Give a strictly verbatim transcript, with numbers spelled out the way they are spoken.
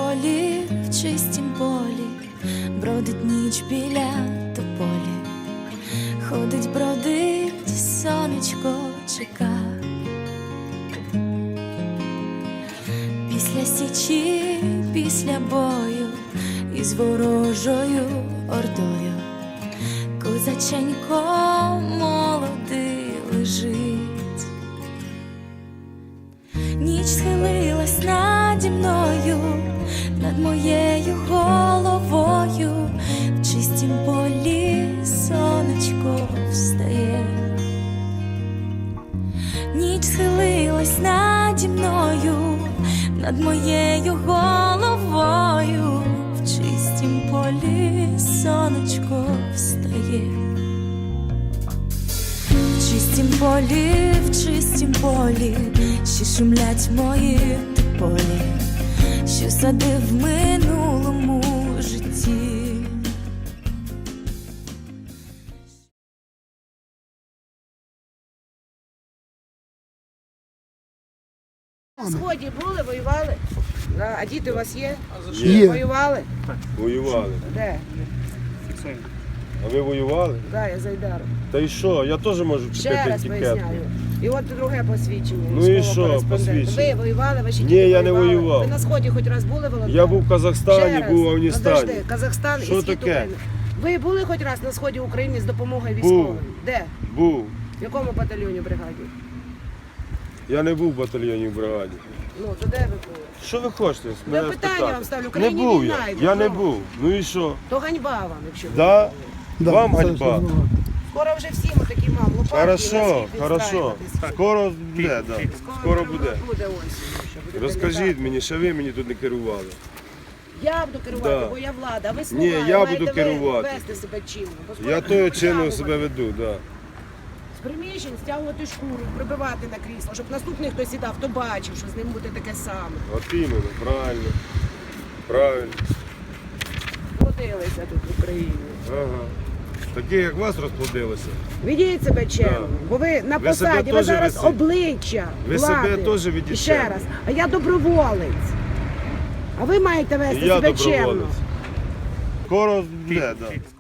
полі, в чистім полі, бродить ніч біля тополі, ходить, бродить, сонечко чека. Після січі, після бою із ворожою ордою козаченько молодий лежить. Ніч схилилась наді мною, над моєю головою, в чистім полі сонечко встає. Ніч схилилась наді мною, над моєю головою, в чистім полі сонечко встає. В чистім полі, в чистім полі, ще шумлять мої тополі, що садив в минулому житті. На сході були, воювали? А діти у вас є? Є. Воювали? Воювали. Де? А ви воювали? Так, да, я з Айдаром. Та і що? Я теж можу Ще купити раз етикетку. поясняю. І от друге посвідчення. Ну і військового що кореспондента. посвідчення? Ви воювали, ваші Ні, діти я не воювали? воював. Ви на сході хоч раз були, Володимир? Я був в Казахстані, Ще раз. був в Афганістані. Подожди, Казахстан Що і схід таке? України. Ви були хоч раз на сході України з допомогою військовим? Був. Де? Був. В якому батальйоні бригаді? Я не був в батальйоні в бригаді. Ну, то де ви були? Що ви хочете? Я мене питання спитати? вам ставлю. В Не Україні був війна я. йде, Я не ну. був. Ну і що? То ганьба вам, якщо ви Да? були. Да, Вам це ганьба. ж нормально. Скоро вже всі ми такі мам, лопатки на Хорошо, світ хорошо. відстраюватись. Скоро буде, да. Скоро буде. Буде осінь. що будете Розкажіть літати. мені, що ви мені тут не керували. Я буду керувати, Да. бо я влада, а ви слуга. Ні, я маєте буду ви керувати. вести себе чинно. бо скоро Я буде тою притягувати. чином себе веду, да. З приміщень стягувати шкуру, прибивати на крісло, щоб наступний, хто сідав, то бачив, що з ним буде таке саме. От іменно, правильно. Правильно. Плодилися тут в Україні. Ага. Такі, як вас розплодилося. Ведіть себе чемно, Да. бо ви на Ви себе посаді, ви теж зараз веси- обличчя Ви влади. себе теж ведіть І ще чемно. раз, а я доброволець. А ви маєте вести І я себе чемно. доброволець. Скоро буде, да.